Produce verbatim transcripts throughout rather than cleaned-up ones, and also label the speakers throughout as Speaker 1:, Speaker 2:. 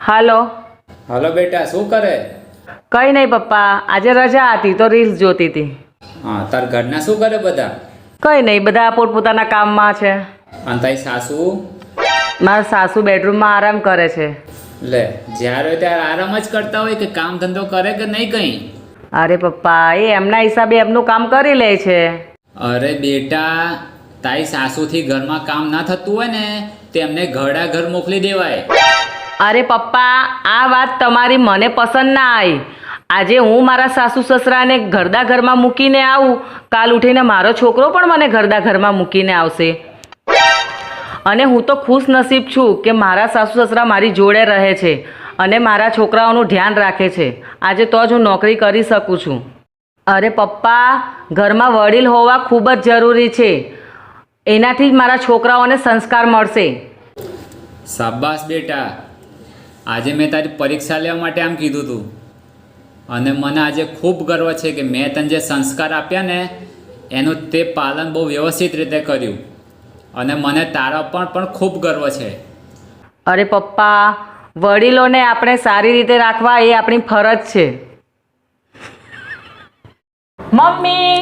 Speaker 1: હાલો
Speaker 2: હાલો બેટા, શું કરે?
Speaker 1: કઈ નહીં પપ્પા, આજે રજા હતી તો રીલ્સ જોતી હતી.
Speaker 2: હા, તાર ઘરના શું કરે બધા?
Speaker 1: કઈ નહીં, બધા પોતપોતાના કામમાં છે.
Speaker 2: અને તારી સાસુ?
Speaker 1: મારા સાસુ બેડરૂમમાં આરામ કરે છે.
Speaker 2: લે, જ્યારે હોય ત્યારે આરામ જ કરતા હોય કે કામ ધંધો કરે કે નહીં કંઈ?
Speaker 1: અરે પપ્પા, એ એમના હિસાબે એમનું કામ કરી લે છે.
Speaker 2: અરે બેટા, તારી સાસુથી ઘરમાં કામ ના થતું હોય ને તેમને ઘડા ઘર મોકલી દેવાય.
Speaker 1: અરે પપ્પા, આ વાત તમારી મને પસંદ ના આવી. આજે હું મારા સાસુ સસરાને ઘરદા ઘરમાં મૂકીને આવું, કાલ ઉઠીને મારો છોકરો પણ મને ઘરદા ઘરમાં મૂકીને આવશે. અને હું તો ખુશ નસીબ છું કે મારા સાસુ સસરા મારી જોડે રહે છે અને મારા છોકરાઓનું ધ્યાન રાખે છે. આજે તો જ હું નોકરી કરી શકું છું. અરે પપ્પા, ઘરમાં વડીલ હોવા ખૂબ જ જરૂરી છે. એનાથી જ મારા છોકરાઓને સંસ્કાર મળશે.
Speaker 2: શાબાશ બેટા, આજે મેં તારી પરીક્ષા લેવા માટે આમ કીધું હતું અને મને આજે ખૂબ ગર્વ છે કે મેં તને જે સંસ્કાર આપ્યા ને એનું તે પાલન બહુ વ્યવસ્થિત રીતે કર્યું અને મને તારા પર પણ ખૂબ ગર્વ છે.
Speaker 1: અરે પપ્પા, વડીલોને આપણે સારી રીતે રાખવા એ આપણી ફરજ છે. મમ્મી,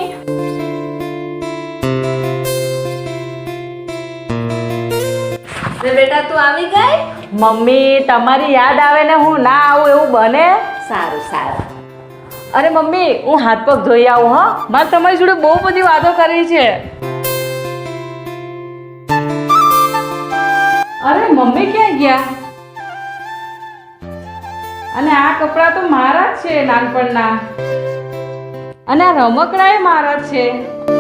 Speaker 3: બેટા તું આવી ગઈ?
Speaker 1: મમ્મી તમારી યાદ આવે ને હું ના આવું એવું બને?
Speaker 3: સારું સારું.
Speaker 1: અરે મમ્મી, હું હાથ પગ ધોઈ આવું. હા, મારે તમારી જોડે બહુ બધી વાતો કરવી છે. અરે મમ્મી ક્યાં ગયા? અને આ કપડાં તો મારા જ છે નાનપણના, અને આ રમકડા એ મારા જ છે.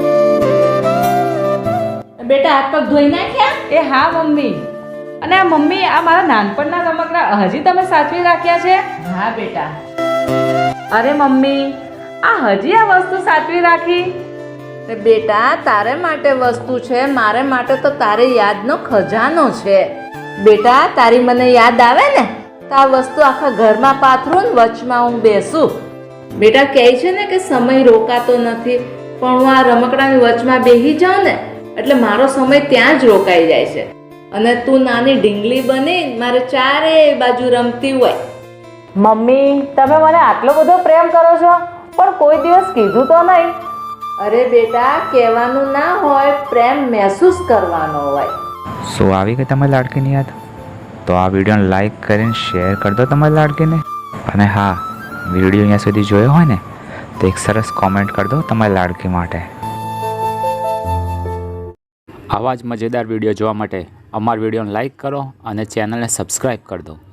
Speaker 3: બેટા હાથ પગ ધોઈ નાખ્યા?
Speaker 1: એ હા મમ્મી. અને આ મમ્મી, આ મારા નાનપણના રમકડા હજી તમે સાચવી રાખ્યા છે?
Speaker 3: હા બેટા.
Speaker 1: અરે મમ્મી, આ હજી આ વસ્તુ સાચવી રાખી?
Speaker 3: બેટા તારે માટે વસ્તુ છે, મારે માટે તો તારે યાદનો ખજાનો છે. બેટા તારી મને યાદ આવે ને તો આ વસ્તુ આખા ઘરમાં પાથરું ને વચમાં હું બેસું. બેટા કહે છે ને કે સમય રોકાતો નથી, પણ હું આ રમકડાની વચમાં બેસી જાઉં ને એટલે મારો સમય ત્યાં જ રોકાઈ જાય છે. અને તું નાની ઢીંગલી બની મારે ચારે બાજુ રમતી હોય.
Speaker 1: મમ્મી, તમે મને આટલો બધો પ્રેમ કરો છો પણ કોઈ દિવસ કીધું તો નહીં.
Speaker 3: અરે બેટા, કહેવાનું ના હોય, પ્રેમ મહેસૂસ કરવાનો હોય.
Speaker 4: શું આવી ગઈ તમારી લાડકીની યાદ? તો આ વિડીયોને લાઈક કરીને શેર કરી દો તમારી લાડકીને. અને હા, વિડીયો અહીંયા સુધી જોયો હોય ને તો એક સરસ કોમેન્ટ કરી દો તમારી લાડકી માટે. આવા જ મજેદાર વિડીયો જોવા માટે અમારા વિડીયોને લાઈક કરો અને ચેનલને સબસ્ક્રાઈબ કરી દો.